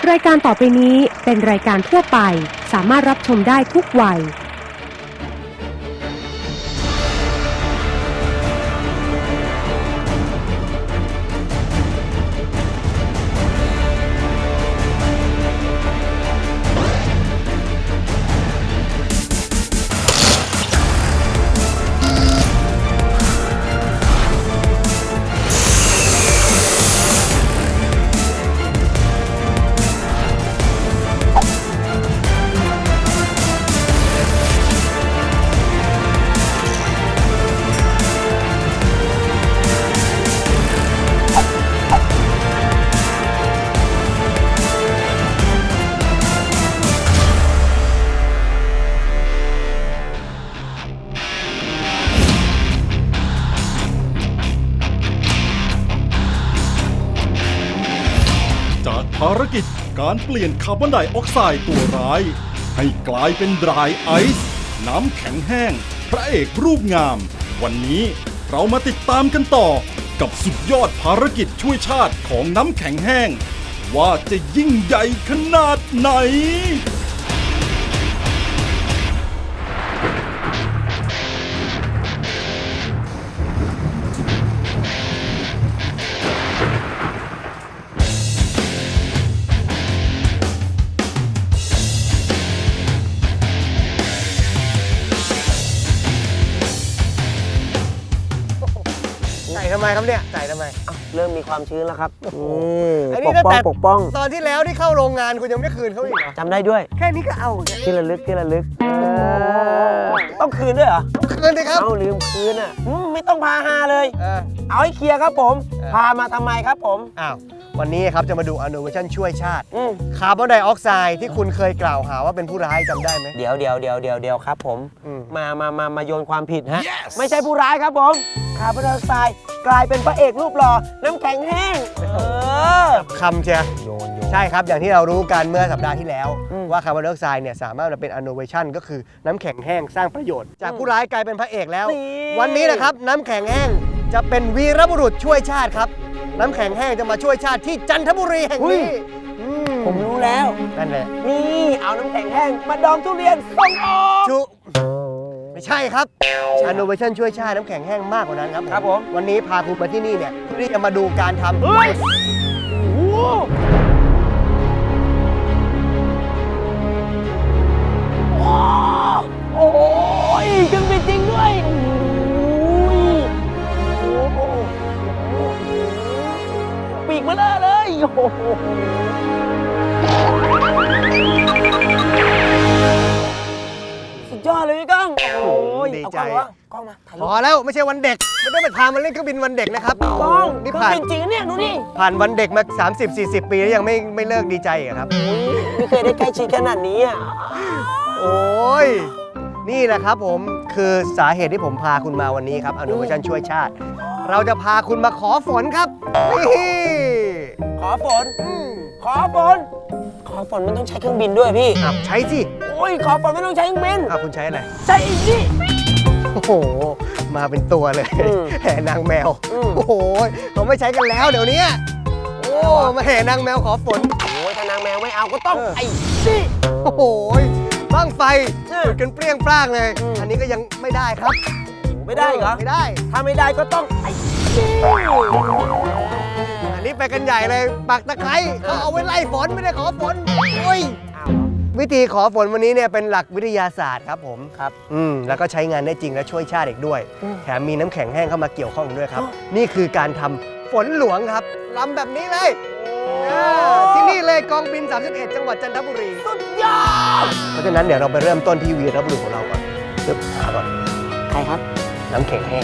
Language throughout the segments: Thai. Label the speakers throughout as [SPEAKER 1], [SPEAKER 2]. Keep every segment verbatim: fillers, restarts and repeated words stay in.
[SPEAKER 1] รายการต่อไปนี้เป็นรายการทั่วไปสามารถรับชมได้ทุกวัย
[SPEAKER 2] ภารกิจการเปลี่ยนคาร์บอนไดออกไซด์ตัวร้ายให้กลายเป็นดรายไอซ์น้ำแข็งแห้งพระเอกรูปงามวันนี้เรามาติดตามกันต่อกับสุดยอดภารกิจช่วยชาติของน้ำแข็งแห้งว่าจะยิ่งใหญ่ขนาดไหน
[SPEAKER 3] ใส่ทำไมครับเนี่ยใส่ทำไม
[SPEAKER 4] เริ่มมีความชื้นแล้วครับ
[SPEAKER 3] อัน
[SPEAKER 4] ป
[SPEAKER 3] นี้
[SPEAKER 4] ก
[SPEAKER 3] ตั้ง
[SPEAKER 4] ป้อง
[SPEAKER 3] แต่
[SPEAKER 4] ปกป้อง
[SPEAKER 3] ตอนที่แล้วที่เข้าโรงงานคุณยังไม่คืนเขาอีกเหรอ
[SPEAKER 4] จำได้ด้วย
[SPEAKER 3] แค่นี้ก็เอาเนี่ย
[SPEAKER 4] ที่ระลึกที่ระลึกต้องคืนด้วยเหรอ
[SPEAKER 3] คืนเลยครับ
[SPEAKER 4] เอาลืมคืนอ่ะอืมไม่ต้องพาฮาเลย
[SPEAKER 3] เออ
[SPEAKER 4] เอาให้เคลียร์ครับผม
[SPEAKER 3] เออ
[SPEAKER 4] พามาทำไมครับผม
[SPEAKER 3] อ้าววันนี้ครับจะมาดูอนุเวชั่นช่วยชาติ
[SPEAKER 4] อืม
[SPEAKER 3] คาร์บอนไดออกไซด์ที่คุณเคยกล่าวหาว่าเป็นผู้ร้ายจำได้ไหม
[SPEAKER 4] เดี๋ยวเดี๋ยวเดี๋ยวเดี๋ยวเดี๋ยวครับผม
[SPEAKER 3] อืม
[SPEAKER 4] มามามามาโยนความผิดฮะ ไม่ใช่ผู้ร้ายครับผมคาร์บอนไดออกไซด์กลายเป็นพระเอกรูปหล่อน้ำแข็งแห้งเออ
[SPEAKER 3] คำเชีย
[SPEAKER 4] โยนโยน
[SPEAKER 3] ใช่ครับอย่างที่เรารู้กันเมื่อสัปดาห์ที่แล้ว
[SPEAKER 4] อืม
[SPEAKER 3] ว่าคาร์บอนไดออกไซด์เนี่ยสามารถมาเป็นอนุเวชั่นก็คือน้ำแข็งแห้งสร้างประโยชน์จากผู้ร้ายกลายเป็นพระเอกแล้ว
[SPEAKER 4] นี่
[SPEAKER 3] วันนี้นะครับน้ำแข็งแห้งจะเป็นวีรบุรุษช่วยชาติครับน้ำแข็งแห้งจะมาช่วยชาติที่จันทบุรีแห่งนี้อื
[SPEAKER 4] ผมรู้แล้ว
[SPEAKER 3] นั่นแหละ
[SPEAKER 4] นี่เอาน้ำแข็งแห้งมาดองทุเรียนส่งออก
[SPEAKER 3] ชุไม่ใช่ครับอนุเวชั่นช่วยชาติน้ำแข็งแห้งมากกว่านั้นครับ
[SPEAKER 4] ครับผม
[SPEAKER 3] วันนี้พาคุณมาที่นี่เนี่ยเพื่อที่จะมาดูการทำ
[SPEAKER 4] เฮ้ยโอ้โหโอ้โหเครื่องบินจริงด้วยโอ้โหปีกมาเลอะเลยโอ้โหสุดยอดเลยพี่ก้องโอ้ย
[SPEAKER 3] ดี
[SPEAKER 4] เอา
[SPEAKER 3] ใจ
[SPEAKER 4] กล้องวะกล้องมาถ่าย
[SPEAKER 3] พ
[SPEAKER 4] รู
[SPEAKER 3] อ
[SPEAKER 4] ป
[SPEAKER 3] แล้วไม่ใช่วันเด็กไม่ต้องไปพามาเล่นเครื่องบินวันเด็กนะครับ
[SPEAKER 4] กล้อง
[SPEAKER 3] นี่
[SPEAKER 4] เครื่อ
[SPEAKER 3] ผ่าน
[SPEAKER 4] งบินจริงนะเนี่ยดูนี่
[SPEAKER 3] ผ่านวันเด็กมา สามสิบสี่สิบ ปีแล้วยังไม่ไม่เลิกดีใจอีกอะครับ
[SPEAKER 4] อุ๊ยไม่เคยได้ใกล้ชิดขนาดนี้อ่ะ
[SPEAKER 3] โอ้ยนี่แหละครับผมคือสาเหตุที่ผมพาคุณมาวันนี้ครับอนุเวชั่นช่วยชาติ เราจะพาคุณมาขอฝนครับนี่
[SPEAKER 4] ขอฝน
[SPEAKER 3] อืม
[SPEAKER 4] ขอฝน ขอฝนมันต้องใช้เครื่องบินด้วยพี่
[SPEAKER 3] อ่ะใช้สิ
[SPEAKER 4] โอ้ย ขอฝนไม่ต้องใช้เครื่องบิน
[SPEAKER 3] อ่ะคุณใช้อะไร
[SPEAKER 4] ใช้อีกนี่
[SPEAKER 3] โอ้โหมาเป็นตัวเลย
[SPEAKER 4] อืม
[SPEAKER 3] แห่นางแมว
[SPEAKER 4] อืม
[SPEAKER 3] โอ้โหเขาไม่ใช้กันแล้วเดี๋ยวนี้โอ้มาแห่นางแมวขอฝน
[SPEAKER 4] โอ้ยถ้านางแมวไม่เอาก็ต้อง
[SPEAKER 3] เออ
[SPEAKER 4] ไอ้นี่
[SPEAKER 3] โอ้โหบ้างไฟ
[SPEAKER 4] เออ
[SPEAKER 3] จุดกันเปรี้ยงปร้างเลย
[SPEAKER 4] อืม
[SPEAKER 3] อันนี้ก็ยังไม่ได้ครับ
[SPEAKER 4] ไม่ได้เหรอ
[SPEAKER 3] ไม่ได้
[SPEAKER 4] ถ้าไม่ได้ก็ต้องไอ้นี่
[SPEAKER 3] อันนี้ไปกันใหญ่เลยปักตะไคร้เขาเอาไว้ไล่ฝนไม่ได้ขอฝนโอ้ย
[SPEAKER 4] อ้าวเหรอ
[SPEAKER 3] วิธีขอฝนวันนี้เนี่ยเป็นหลักวิทยาศาสตร์ครับผม
[SPEAKER 4] ครับ
[SPEAKER 3] อืมแล้วก็ใช้งานได้จริงและช่วยชาติอีกด้วย
[SPEAKER 4] อืม
[SPEAKER 3] แถมมีน้ำแข็งแห้งเข้ามาเกี่ยวข้องด้วยครับ
[SPEAKER 4] อ๋อ
[SPEAKER 3] นี่คือการทำฝนหลวงครับลำแบบนี้เลยอ่าที่นี่เลยกองบิน สามสิบเอ็ด จังหวัดจันทบุรี
[SPEAKER 4] สุดยอด
[SPEAKER 3] เพราะฉะนั้นเดี๋ยวเราไปเริ่มต้นที่วีรบุรุษของเราก่อนปึ๊บหาก่อน
[SPEAKER 4] ใครครับ
[SPEAKER 3] น้ำแข็งแห้ง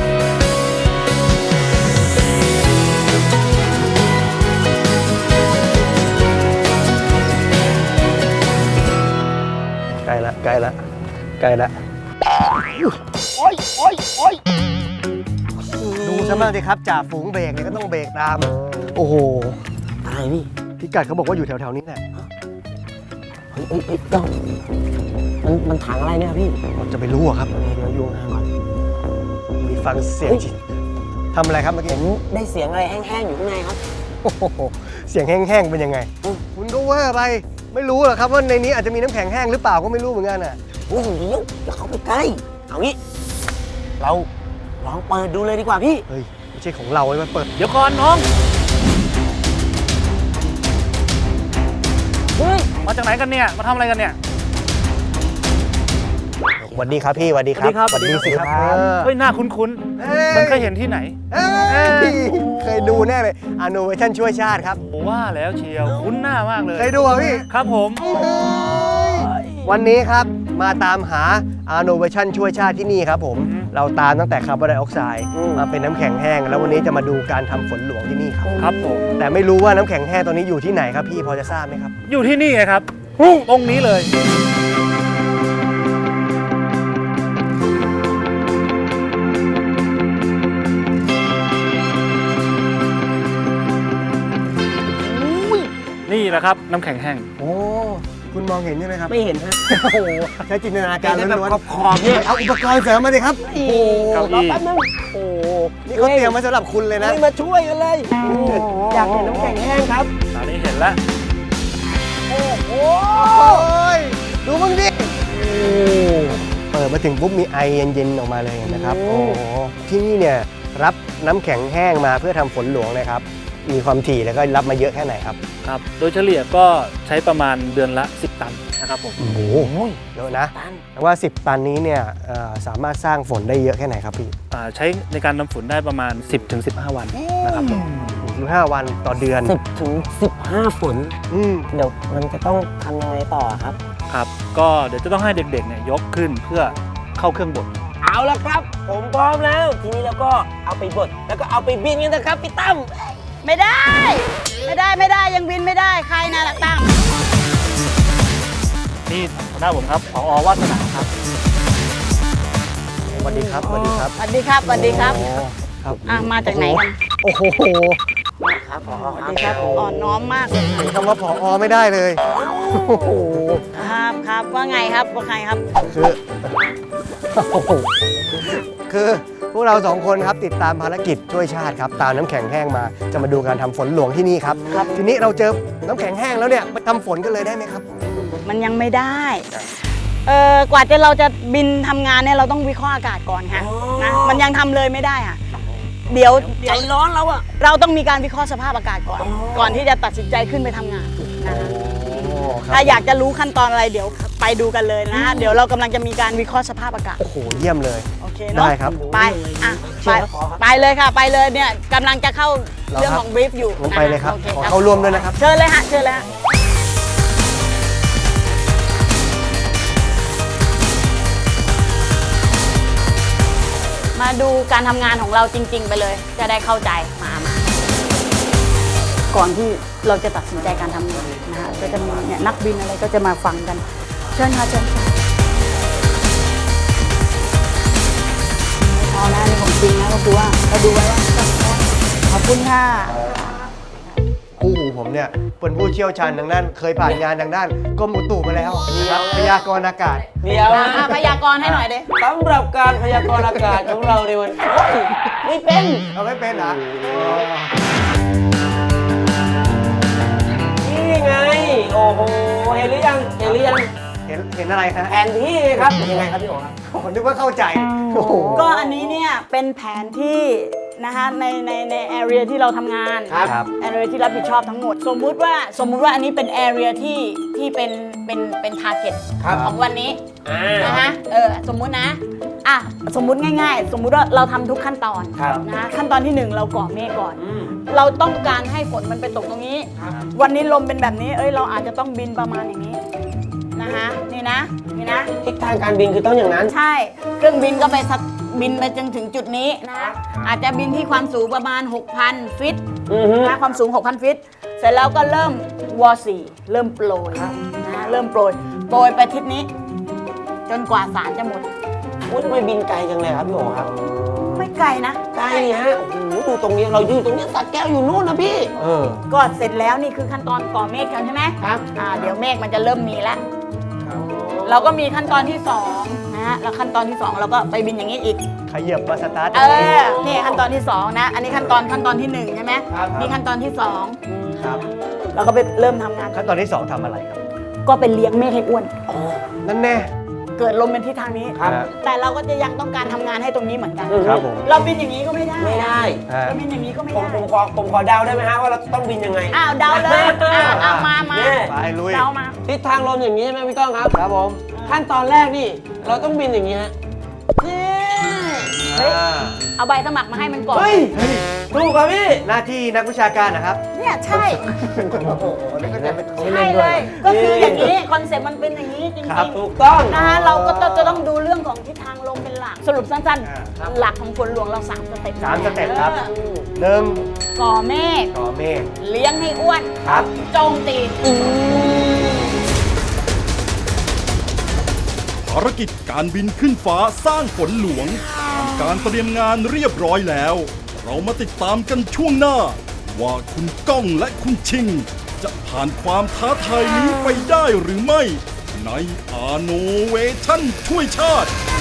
[SPEAKER 3] ใกล้ละใกล้ละใกล้ละ
[SPEAKER 4] โอ้ยโอ้ยโอ้ย
[SPEAKER 3] ดูซะบ้างสิครับจ่าฝูงเบรกเนี่ยก็ต้องเบรกตาม โอ้โห
[SPEAKER 4] ตายพี่
[SPEAKER 3] พิกัดเขาบอกว่าอยู่แถวๆนี้แหละ
[SPEAKER 4] เฮ้ยเฮ้ยเฮ้ยก้องมันมันถังอะไรเนี่ยพี่
[SPEAKER 3] เราจะไปรู้อะครับ
[SPEAKER 4] เดี๋ยวเดี๋ยวโยนทางก่อน
[SPEAKER 3] มีฟังเสียงจิตทำอะไรครับเมื่อ
[SPEAKER 4] ผ
[SPEAKER 3] กี้
[SPEAKER 4] มได้เสียงอะไรแห้งๆอยู่ข้างในครับ
[SPEAKER 3] โอ้โหเสียงแห้งๆเป็นยังไง
[SPEAKER 4] อืม
[SPEAKER 3] คุณก็เวอร์ไปไม่รู้หรอกครับว่าในนี้อาจจะมีน้ำแข็งแห้งหรือเปล่าก็ไม่รู้เหมือนกันอ่ะ
[SPEAKER 4] โอ้โหอย่าเข้าไปใกล้เอางี้เราลองเปิดดูเลยดีกว่าพี่
[SPEAKER 3] เฮ้ยไม่ใช่ของเราไอ้มันเปิด
[SPEAKER 5] เดี๋ยวก่อนน้อง
[SPEAKER 4] เฮ้ย
[SPEAKER 5] มาจากไหนกันเนี่ย มาทำอะไรกันเนี่ย
[SPEAKER 3] สวัสดีครับพี่สวัสดีครับ
[SPEAKER 5] สวัสดีครับ
[SPEAKER 3] สิครับ
[SPEAKER 5] สวัสดีครับ
[SPEAKER 3] เออ
[SPEAKER 5] เฮ้ย หน้าคุ้น
[SPEAKER 3] เอ้ย
[SPEAKER 5] ๆ มันเคยเห็นที่ไหน
[SPEAKER 3] เอ้ยเคยดูแน่เลยอโนเวชั่นช่วยชาติครับ
[SPEAKER 5] ผมว่าแล้วเชียว คุ้นหน้ามากเลย
[SPEAKER 3] เคยดูอ่ะพี่
[SPEAKER 5] ครับผม
[SPEAKER 3] วันนี้ครับมาตามหา Innovation ช่วยชาติที่นี่ครับผม
[SPEAKER 5] อืม
[SPEAKER 3] เราตามตั้งแต่คาร์บอนไดออกไซด์
[SPEAKER 4] อืม
[SPEAKER 3] มาเป็นน้ำแข็งแห้ง แล้ววันนี้จะมาดูการทำฝนหลวงที่นี่ครับ
[SPEAKER 5] ครับผม
[SPEAKER 3] แต่ไม่รู้ว่าน้ำแข็งแห้งตัวนี้อยู่ที่ไหนครับพี่พอจะทราบไหมครับ
[SPEAKER 5] อยู่ที่นี่ไงครับ ตรงนี้เลย นี่แหละครับ น้ำแข็งแห้ง
[SPEAKER 3] โอ้คุณมองเห็นใช่ไหมครับ
[SPEAKER 4] ไม่เห็นฮะ
[SPEAKER 3] โอ้โหใช้จินตนาการ
[SPEAKER 4] ได้
[SPEAKER 3] ล้
[SPEAKER 4] แบบ
[SPEAKER 3] วน
[SPEAKER 4] ขอบๆเนี่ย
[SPEAKER 3] ๆเอาอุปกรณ์เสริมมาเลยครับโอ้โห
[SPEAKER 5] เก้าอี้
[SPEAKER 4] รอแป๊บนึง
[SPEAKER 3] โอ้โหนี่เขาเตรียมมาสำหรับคุณเลยนะ
[SPEAKER 4] ไม่มาช่วยกันเลย อยากเห็นน้ำแข็งแห้งครับ
[SPEAKER 5] ตอนนี้เห็นแล้ว
[SPEAKER 4] โอ้โห
[SPEAKER 3] โอ้ยดูมึงดิเปิดมาถึงปุ๊บมีไอเย็นๆออกมาเลยนะครับ โอ้โหที่นี่เนี่ยรับน้ำแข็งแห้งมาเพื่อทำฝนหลวงเลยครับ มีความถี่แล้วก็รับมาเยอะแค่ไหนครับ
[SPEAKER 5] ครับ โดยเฉลี่ยก็ใช้ประมาณเดือนละ สิบ ตันนะครับผม
[SPEAKER 3] โอ้โหเยอะนะแต่ว่า สิบ ตันนี้เนี่ยเอ่อสามารถสร้างฝนได้เยอะแค่ไหนครับพี่
[SPEAKER 5] อ่าใช้ในการนำฝนได้ประมาณ สิบถึงสิบห้า วันนะครับผม
[SPEAKER 3] สิบห้าวันต่อเดือน
[SPEAKER 4] สิบถึงสิบห้าฝน
[SPEAKER 3] อืม
[SPEAKER 4] เดี๋ยวมันจะต้องทำยังไงต่อครับ
[SPEAKER 5] ครับ ก็เดี๋ยวจะต้องให้เด็กๆเนี่ยยกขึ้นเพื่อเข้าเครื่องบด
[SPEAKER 4] เอาละครับ ผมพร้อมแล้ว ทีนี้เราก็เอาไปบดแล้วก็เอาไปบินกันนะครับพี่ตั้ม
[SPEAKER 6] ไม่ได้ ไม่ได้ไม่ได้ยังบินไม่ได้ใครนะลักตั้ง
[SPEAKER 5] นี่หน้าผมครับผอวาสนาครับ
[SPEAKER 3] สวัสดีครับสวัสดีครับ
[SPEAKER 6] สวัสดีครับสวัสดีครับ
[SPEAKER 3] โอ้ครับ
[SPEAKER 6] อ่ะมาจากไหนกัน
[SPEAKER 3] โอ้โห
[SPEAKER 4] ครับผอ
[SPEAKER 6] สวัสดีครับอ่อนน้อมมากเลย
[SPEAKER 3] เห็นคำว่าผอไม่ได้เลยโอ้โห
[SPEAKER 6] ครับครับว่าไงครับว่าใครครับ
[SPEAKER 3] คือโอ้โหคือพวกเราสองคนครับติดตามภารกิจช่วยชาติครับตามน้ำแข็งแห้งมาจะมาดูการทำฝนหลวงที่นี่ครับครับทีนี้เราเจอน้ำแข็งแห้งแล้วเนี่ยไปทำฝนกันเลยได้ไหมครับ
[SPEAKER 6] มันยังไม่ได้เออกว่าจะเราจะบินทำงานเนี่ยเราต้องวิเคราะห์อากาศก่อนค่ะนะมันยังทำเลยไม่ได้ค่ะเดี๋ยว
[SPEAKER 4] ใจร้อนแล้วอะ
[SPEAKER 6] เราต้องมีการวิเคราะห์สภาพอากาศก่อน ก่อนที่จะตัดสินใจขึ้นไปทำงานนะคะ ถ้าอยากจะรู้ขั้นตอนอะไรเดี๋ยวไปดูกันเลยนะ เดี๋ยวเรากำลังจะมีการวิเคราะห์สภาพอากาศ
[SPEAKER 3] โอ้โหเยี่ยมเลย
[SPEAKER 6] โอเคเนาะ
[SPEAKER 3] ได้ครับ
[SPEAKER 6] ไปอ่ะไปไปเลยค่ะไปเลยเนี่ยกำลังจะเข้า
[SPEAKER 3] เหรอครับ
[SPEAKER 6] เรื่องของบรีฟอยู่
[SPEAKER 3] งั้นไปเลยครับ
[SPEAKER 6] โอ
[SPEAKER 3] ขอเข้าร่วมด้วยนะครับ
[SPEAKER 6] เชิญเลยฮะเชิญเลยฮะมาดูการทำงานของเราจริง ๆ ไปเลย จะได้เข้าใจมามาก่อนที่เราจะตัดสินใจการทำงานนะฮะก็จะมีเนี่ยนักบินอะไรก็จะมาฟังกัน เชิญค่ะเชิญค่ะไม่พอนะนี่ของจริงนะก็คือว่าเราดูไว้ว่าขอบคุณค่ะ
[SPEAKER 3] คู่หูผมเนี่ยเป็นผู้เชี่ยวชาญทางด้านเคยผ่านงานทางด้านกรมอุตุมาแล้วนะครับพยากรณ์อากาศ
[SPEAKER 4] เดี๋ยว
[SPEAKER 6] อ่ะพยากรณ์ให้หน่อยเด้
[SPEAKER 4] สำหรับการพยากรณ์อากาศของเราในวันโอ้ยไม่เป็น
[SPEAKER 3] เราไม่เป็นเหรอ
[SPEAKER 4] นี่ไง โอ้โห เห็นหรือยัง เห็นหรือยัง
[SPEAKER 3] เห็นเห็นอะไรฮะ
[SPEAKER 4] แผนที่ครับ ยังไงครับพี่โอ๋ครับ
[SPEAKER 3] ผมนึกว่าเข้าใจโอ้โห
[SPEAKER 6] ก็อันนี้เนี่ยเป็นแผนที่นะคะในในในแอเรียที่เราทำงาน
[SPEAKER 3] ครับ
[SPEAKER 6] แอเรียที่รับผิดชอบทั้งหมด สมมุติว่าสมมุติว่าอันนี้เป็นแอเรียที่ที่เป็นเป็นเป็นทาร์เก็ต
[SPEAKER 4] ครับ
[SPEAKER 6] ของวันนี้
[SPEAKER 4] อ่า
[SPEAKER 6] นะคะเออสมมุตินะอ่ะสมมุติง่ายๆ สมมุติว่าเราทำทุกขั้นตอน
[SPEAKER 4] ครับ
[SPEAKER 6] นะคะขั้นตอนที่หนึ่งเราก่อเมฆก่อน
[SPEAKER 4] อืม
[SPEAKER 6] เราต้องการให้ฝนมันไปตกตรงนี้
[SPEAKER 4] ครับ
[SPEAKER 6] วันนี้ลมเป็นแบบนี้ เอ้ยเราอาจจะต้องบินประมาณอย่างนี้นะคะนี่นะนี่นะ
[SPEAKER 4] ทิศทางการบินคือต้องอย่างนั้น
[SPEAKER 6] ใช่ เครื่องบินก็ไปสักบินไปจนถึงจุดนี้นะ อาจจะบินที่ความสูงประมาณ หกพัน ฟิต
[SPEAKER 4] อือฮึ
[SPEAKER 6] นะความสูง หกพัน ฟิต เสร็จแล้วก็เริ่มวอสี่เริ่มโปรยนะเริ่มโปรย โปรยไปทิศนี้ จนกว่าสารจะหมด
[SPEAKER 4] โอ้ยทำไมบินไกลจังเลยครับพี่โอ๋ครับ
[SPEAKER 6] ไม่ไกลนะ
[SPEAKER 4] ไกลนี่ฮะ โอ้โห ดูตรงนี้ เราอยู่ตรงนี้สัตว์แก้วอยู่นู่นนะพี่
[SPEAKER 3] เออ
[SPEAKER 6] ก็เสร็จแล้วนี่คือขั้นตอนก่อเมฆกันใช่ไหม
[SPEAKER 4] ครับ
[SPEAKER 6] อ่าเดี๋ยวเมฆมันจะเริ่มมีแล้ว เราก็มีขั้นตอนที่สองนะฮะ แล้วขั้นตอนที่สองเราก็ไปบินอย่างนี้อีก
[SPEAKER 3] ขยับมาสตาร์ท
[SPEAKER 6] เออ นี่ขั้นตอนที่สองนะ อันนี้ขั้นตอนขั้นตอนที่หนึ่งใช่ไหม
[SPEAKER 4] ครับ
[SPEAKER 6] นี่ขั้นตอนที่สอง
[SPEAKER 3] ครับ
[SPEAKER 6] เราก็ไปเริ่มทำงาน
[SPEAKER 3] ขั้นตอนที่สองทำอะไรครับ
[SPEAKER 6] ก็เป็นเลี้ยงเมฆให้อ้วน
[SPEAKER 3] นั่นแน่
[SPEAKER 6] เกิดลมเป็นทิศทางนี้
[SPEAKER 3] ครับ
[SPEAKER 6] แต่เราก็จะยังต้องการทำงานให้ตรงนี้เหมือนกัน
[SPEAKER 3] ครับผม
[SPEAKER 6] เราบินอย่างนี้ก็ไม่ได้
[SPEAKER 4] ไม่ได้
[SPEAKER 3] อ่า
[SPEAKER 6] เราบินอย่างนี้ก็ไม่
[SPEAKER 4] ผม
[SPEAKER 6] ได้
[SPEAKER 4] ผมขอผมขอเดาได้ไหมฮะว่าเราต้องบินยังไง
[SPEAKER 6] อ้าวเดาเลยอ้าวเอามามา
[SPEAKER 4] เนี่ย
[SPEAKER 3] ไปลุย
[SPEAKER 6] เดามา
[SPEAKER 4] ทิศทางลมอย่างนี้ใช่ไหมพี่ก้องครับ
[SPEAKER 3] ครับผม
[SPEAKER 4] ขั้นตอนแรกนี่ เราต้องบินอย่างนี้ฮะ
[SPEAKER 6] นี่เฮ้ย
[SPEAKER 3] อ่า
[SPEAKER 6] เอาใบสมัครมาให้มันก่อน
[SPEAKER 4] เฮ้ยถูกครับพี่
[SPEAKER 3] หน้าที่นักวิชาการนะครับ
[SPEAKER 6] เนี่ยใช่
[SPEAKER 3] โอ้โหนี่ก็จะเป็น
[SPEAKER 6] ใช่เลย ก็คืออย่างนี้คอนเซ็ปต์มันเป็นอย่างนี้จริง
[SPEAKER 3] ครับ
[SPEAKER 6] ๆ
[SPEAKER 4] ถูกต้อง
[SPEAKER 6] นะฮะเราก็ต้องจะต้องดูเรื่องของทิศทางลมเป็นหลัก สรุปสั้น
[SPEAKER 3] อ่า
[SPEAKER 6] ๆ หลักของฝนหลวงเราสามสเต็ป
[SPEAKER 3] สามสเต็ปครับ
[SPEAKER 6] ออ
[SPEAKER 3] หนึ่ง
[SPEAKER 6] ก่อเมฆ
[SPEAKER 3] ก่อเมฆ
[SPEAKER 6] เลี้ยงให้อ้วน
[SPEAKER 3] ครับ
[SPEAKER 6] โจมตี
[SPEAKER 2] ภารกิจการบินขึ้นฟ้าสร้างฝนหลวงทำการเตรียมงานเรียบร้อยแล้ว เรามาติดตามกันช่วงหน้า ว่าคุณก้องและคุณชิง จะผ่านความท้าทายนี้ไปได้หรือไม่ ในอาโนเวชั่นช่วยชาติ